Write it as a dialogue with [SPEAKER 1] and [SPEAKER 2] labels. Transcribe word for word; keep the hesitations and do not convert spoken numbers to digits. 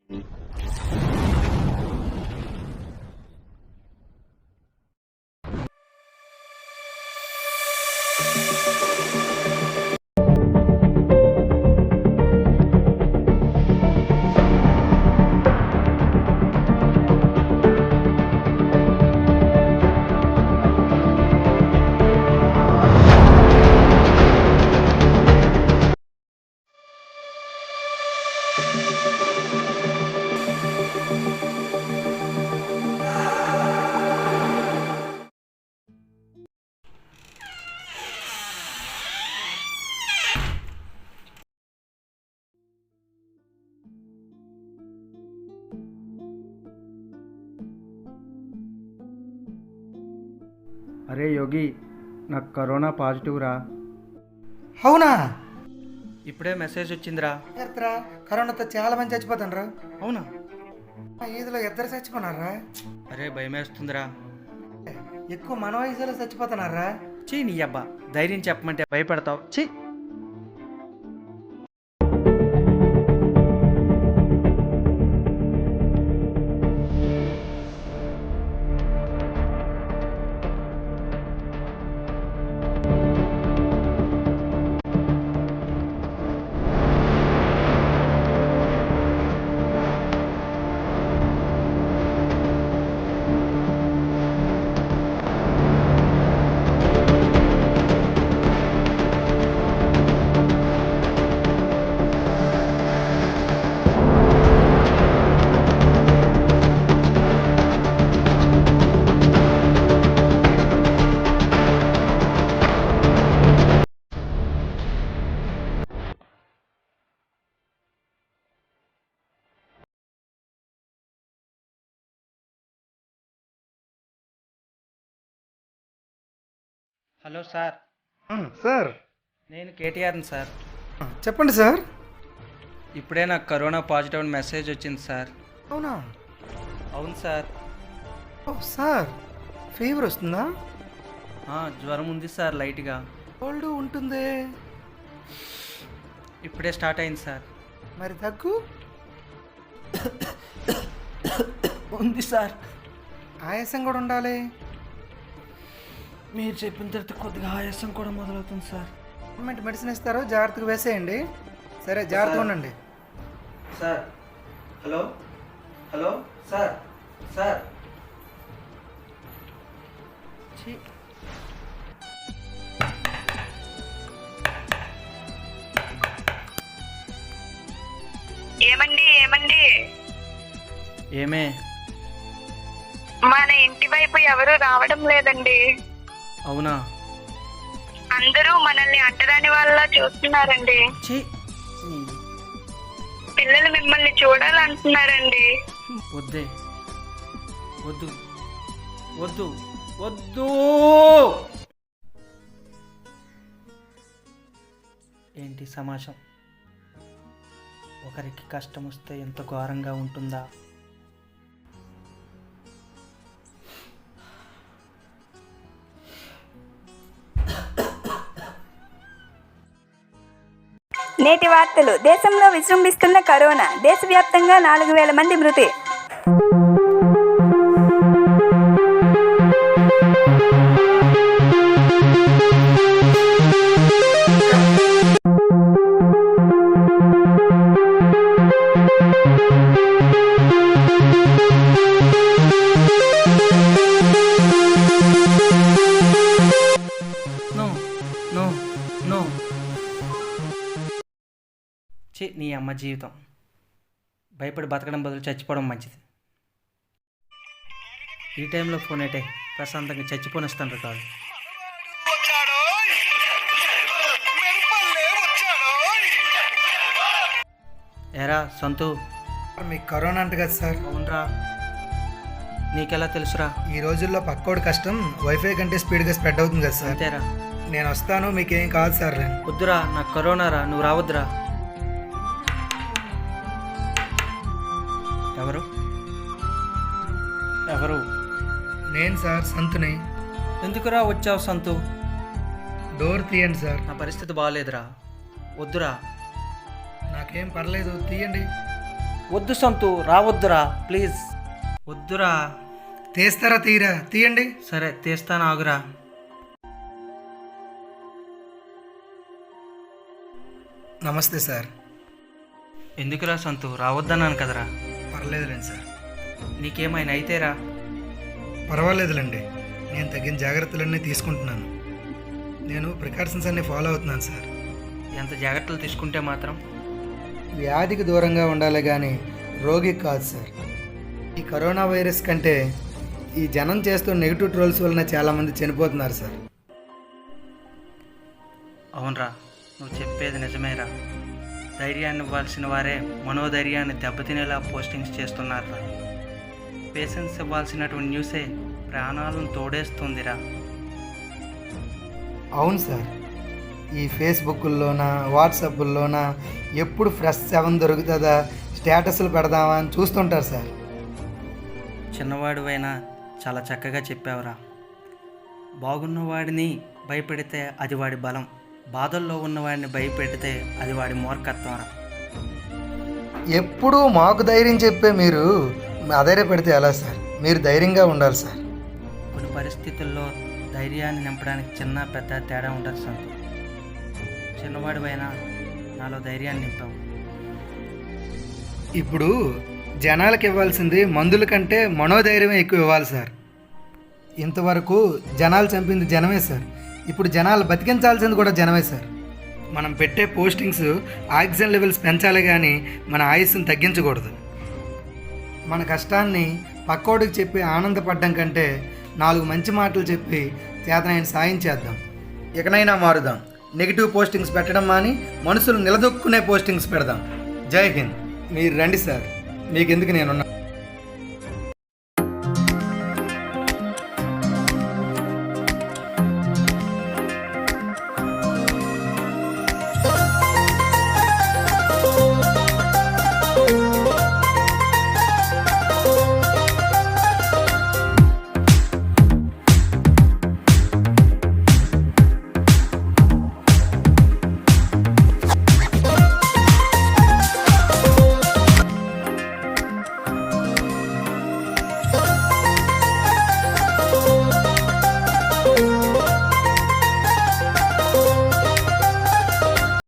[SPEAKER 1] అరే యోగి, నాకు corona positive రా.
[SPEAKER 2] అవునా?
[SPEAKER 1] ఇప్పుడే మెసేజ్ వచ్చిందిరా.
[SPEAKER 2] ఎత్తరా కరోనాతో చాలా మంది చచ్చిపోతాండ్రా.
[SPEAKER 1] అవునా?
[SPEAKER 2] ఈదులో ఇద్దరు చచ్చిపోనారా.
[SPEAKER 1] అరే భయమేస్తుందిరా.
[SPEAKER 2] ఎక్కువ మన వయసులో చచ్చిపోతున్నారా.
[SPEAKER 1] చీ నీ అబ్బా, ధైర్యం చెప్పమంటే భయపడతావు. చీ. Hello sir.
[SPEAKER 2] సార్
[SPEAKER 1] నేను కేటీఆర్ని సార్.
[SPEAKER 2] చెప్పండి సార్.
[SPEAKER 1] ఇప్పుడే నాకు కరోనా పాజిటివ్ అని మెసేజ్ వచ్చింది సార్.
[SPEAKER 2] అవునా?
[SPEAKER 1] అవును సార్.
[SPEAKER 2] ఓ సార్, ఫీవర్ వస్తుందా?
[SPEAKER 1] జ్వరం ఉంది సార్, లైట్గా.
[SPEAKER 2] కోల్డ్ ఉంటుంది.
[SPEAKER 1] ఇప్పుడే స్టార్ట్ అయింది సార్.
[SPEAKER 2] మరి దగ్గు
[SPEAKER 1] ఉంది సార్.
[SPEAKER 2] ఆయాసం కూడా ఉండాలి.
[SPEAKER 1] మీరు చెప్పిన తర్వాత కొద్దిగా ఆయాసం కూడా మొదలవుతుంది సార్.
[SPEAKER 2] గవర్నమెంట్ మెడిసిన్ ఇస్తారు, జాగ్రత్తగా వేసేయండి. సరే, జాగ్రత్తగా ఉండండి
[SPEAKER 1] sir. Hello hello sir. Sir
[SPEAKER 3] ఏమండి ఏమండి
[SPEAKER 1] ఏమే?
[SPEAKER 3] మన ఇంటి వైపు ఎవరు రావడం లేదండి.
[SPEAKER 1] అవునా?
[SPEAKER 3] అందరూ మనల్ని అంటరాని వాళ్ళ చూస్తున్నారండి. పిల్లలు మిమ్మల్ని చూడాలంటున్నారండి.
[SPEAKER 1] వద్దే, వద్దు వద్దు వద్దు. ఏంటి సమాజం? ఒకరికి కష్టం వస్తే ఎంత ఘోరంగా ఉంటుందా?
[SPEAKER 4] నేటి వార్తలు. దేశంలో విజృంభిస్తున్న కరోనా. దేశవ్యాప్తంగా నాలుగు వేల మంది మృతి.
[SPEAKER 1] No no no. ఛీ, నీ అమ్మ జీవితం. భయపడి బతకడం బదులు చచ్చిపోవడం మంచిది. ఈ టైంలో ఫోన్ అయితే ప్రశాంతంగా చచ్చిపోనిస్తాను కాదు. ఎరా సంతు,
[SPEAKER 2] మీకు కరోనా అంట కదా సార్?
[SPEAKER 1] అవునరా. నీకెలా తెలుసురా?
[SPEAKER 2] ఈ రోజుల్లో పక్కోడి కష్టం వైఫై కంటే స్పీడ్గా స్ప్రెడ్ అవుతుంది కదా సార్.
[SPEAKER 1] అంతేరా.
[SPEAKER 2] నేను వస్తాను, మీకేం కాదు సార్.
[SPEAKER 1] వద్దురా, నాకు కరోనా రా, నువ్వు రావద్దురా. ఎవరు ఎవరు?
[SPEAKER 2] నేను సార్, సంతుని.
[SPEAKER 1] ఎందుకురా వచ్చావు సంతు?
[SPEAKER 2] డోర్ తీయండి సార్.
[SPEAKER 1] నా పరిస్థితి బాగాలేదురా, వద్దురా.
[SPEAKER 2] నాకేం పర్లేదు, తీయండి.
[SPEAKER 1] వద్దు సంతు రావద్దురా ప్లీజ్ వద్దురా.
[SPEAKER 2] తీస్తారా తీరా తీయండి.
[SPEAKER 1] సరే తీస్తాను ఆగురా.
[SPEAKER 2] నమస్తే సార్.
[SPEAKER 1] ఎందుకురా సంతు రావద్దన్నాను కదరా.
[SPEAKER 2] పర్లేదులేండి సార్.
[SPEAKER 1] నీకేమైనా అయితేరా.
[SPEAKER 2] పర్వాలేదులేండి, నేను తగిన జాగ్రత్తలన్నీ తీసుకుంటున్నాను. నేను ప్రికాషన్స్ అన్నీ ఫాలో అవుతున్నాను సార్.
[SPEAKER 1] ఎంత జాగ్రత్తలు తీసుకుంటే మాత్రం
[SPEAKER 2] వ్యాధికి దూరంగా ఉండాలి కానీ రోగికి కాదు సార్. ఈ కరోనా వైరస్ కంటే ఈ జనం చేస్తున్న నెగిటివ్ ట్రోల్స్ వలన చాలామంది చనిపోతున్నారు సార్.
[SPEAKER 1] అవునరా, నువ్వు చెప్పేది నిజమేరా. ధైర్యాన్ని ఇవ్వాల్సిన వారే మనోధైర్యాన్ని దెబ్బతినేలా పోస్టింగ్స్ చేస్తున్నారా. పేషెన్స్ ఇవ్వాల్సినటువంటి న్యూసే ప్రాణాలను తోడేస్తుందిరా.
[SPEAKER 2] అవును సార్, ఈ ఫేస్బుక్లోన వాట్సాప్లోన ఎప్పుడు ఫ్రెష్ సెవెన్ దొరుకుతుందా స్టేటస్లు పెడదామా అని చూస్తుంటారు సార్.
[SPEAKER 1] చిన్నవాడివైనా చాలా చక్కగా చెప్పావురా. బాగున్నవాడిని భయపెడితే అది వాడి బలం, బాధల్లో ఉన్నవాడిని భయపెడితే అది వాడి మూర్ఖత్వంరా.
[SPEAKER 2] ఎప్పుడూ మాకు ధైర్యం చెప్పే మీరు అధైర్యపడితే ఎలా సార్? మీరు ధైర్యంగా ఉండాలి సార్.
[SPEAKER 1] కొన్ని పరిస్థితుల్లో ధైర్యాన్ని నింపడానికి చిన్న పెద్ద తేడా ఉండదు సంతు. చిన్నవాడివైనా నాలో ధైర్యాన్ని నింపావు.
[SPEAKER 2] ఇప్పుడు జనాలకు ఇవ్వాల్సింది మందుల కంటే మనోధైర్యమే ఎక్కువ ఇవ్వాలి సార్. ఇంతవరకు జనాలు చంపింది జనమే సార్. ఇప్పుడు జనాలు బతికించాల్సింది కూడా జనమే సార్. మనం పెట్టే పోస్టింగ్స్ ఆక్సిజన్ లెవెల్స్ పెంచాలి కానీ మన ఆయుస్సును తగ్గించకూడదు. మన కష్టాన్ని పక్కోడికి చెప్పి ఆనందపడడం కంటే నాలుగు మంచి మాటలు చెప్పి చేతనైన సాయం చేద్దాం. ఇకనైనా మారుదాం. నెగిటివ్ పోస్టింగ్స్ పెట్టడం మాని మనుషులు నిలదొక్కునే పోస్టింగ్స్ పెడదాం. జై హింద్. మీరు రండి సార్, మీకెందుకు నేనున్నా.